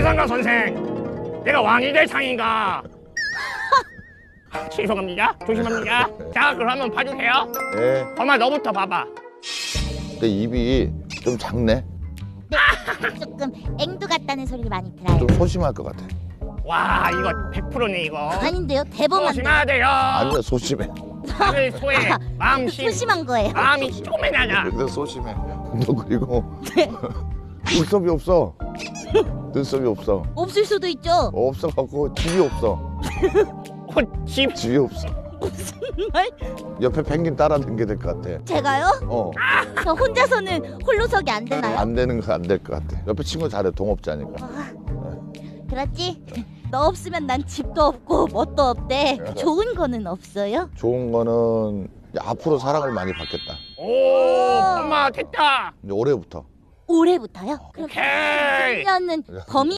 최상가 선생, 내가 왕이 될 상인가? 죄송합니다. 조심합니다. 자, 그러면 봐주세요. 네. 엄마 너부터 봐봐. 근데 입이 좀 작네. 네, 조금 앵두 같다는 소리를 많이 들어요. 좀 소심할 것 같아. 와, 이거 100%네 이거. 아닌데요? 대범한데. 조심해야 돼요. 아니야, 소심해. 마음을 소해. 마음 심. 소심한 거예요. 마음이 쪼매나냐. 근데 소심해. 너 그리고 눈썹이 없어. 눈썹이 없어. 없을 수도 있죠. 없어갖고 집이 없어. 집. 집이 없어. 말? 옆에 펭귄 따라다니게 될 것 같아. 제가요? 저 혼자서는 홀로서기 안 되나요? 안 되는 거 안 될 것 같아. 옆에 친구 잘해, 동업자니까. 그렇지? 너 없으면 난 집도 없고 뭣도 없대. 좋은 거는 없어요? 좋은 거는 이제 앞으로 사랑을 많이 받겠다. 오, 엄마 됐다. 이제 올해부터. 올해부터요? 그럼 오케이. 1년은 범위